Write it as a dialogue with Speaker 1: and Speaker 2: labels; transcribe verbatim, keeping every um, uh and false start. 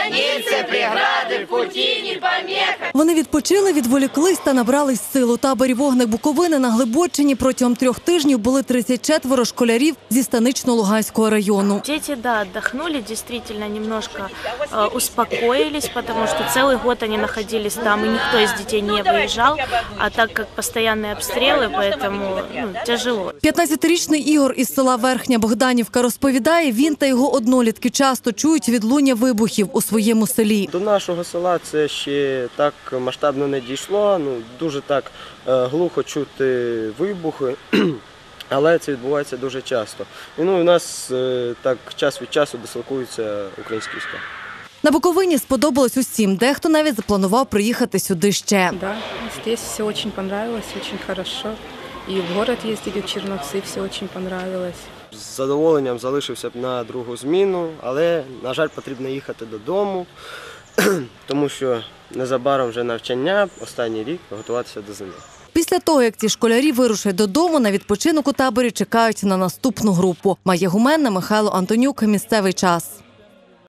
Speaker 1: границы, преграды, пути не помеха.
Speaker 2: Вони відпочили, відволіклись та набрались сил. У таборі «Вогник Буковини» на Глибоччині протягом трьох тижнів були тридцять четверо школярів зі Станично-Луганського району.
Speaker 3: Дети, да, отдохнули, действительно немножко э, успокоились, потому что целый год они находились там, и никто из детей не выезжал, а так как постоянные обстрелы, поэтому ну, тяжело.
Speaker 2: п'ятнадцятирічний Ігор із села Верхня Богданівка розповідає, він та його однолітки часто чують відлуння вибухів у своєму селі.
Speaker 4: До нашого села це ще так масштабно не дійшло, ну, дуже так е, глухо чути вибухи, але це відбувається дуже часто. І, ну, у нас е, так час від часу дислокуються українські війська.
Speaker 2: На Буковині сподобалось усім, дехто навіть запланував приїхати сюди ще.
Speaker 5: Да, здесь все очень понравилось, очень хорошо. И в город ездили, в Черновцы, все очень понравилось.
Speaker 4: З задоволенням залишився б на другу зміну, але, на жаль, потрібно їхати додому, тому що незабаром вже навчання, останній рік, готуватися до зими.
Speaker 2: Після того, як ці школярі вирушать додому, на відпочинок у таборі чекають на наступну групу. Майя Гуменна, Михайло Антонюк. Місцевий час.